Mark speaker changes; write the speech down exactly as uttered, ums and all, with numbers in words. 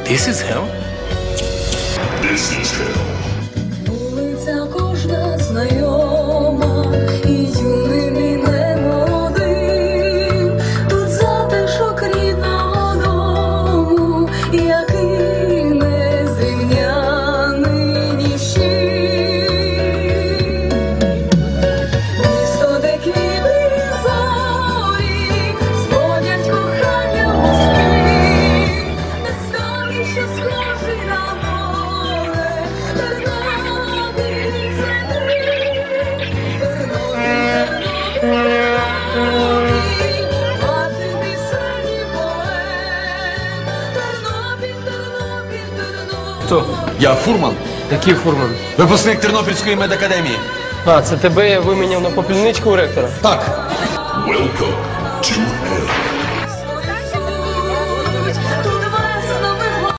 Speaker 1: This is hell?
Speaker 2: This is hell.
Speaker 3: Вулиця кожна знайома, і юний мій немолодий. Тут затишок рідного дому, який незрівняний ніщий. Місто, де квіти і зорі зводять кохання в мости, де столі, що схожий на море. Тернопіль – це ти, Тернопіль, мати пісень і поет. Тернопіль, Тернопіль, Тернопіль.
Speaker 4: Хто?
Speaker 5: Я фурман,
Speaker 4: Який фурман?
Speaker 5: випускник Тернопільської медакадемії.
Speaker 4: А, це тебе я виміняв на попільничку у ректора?
Speaker 5: Так.
Speaker 2: Welcome to hell.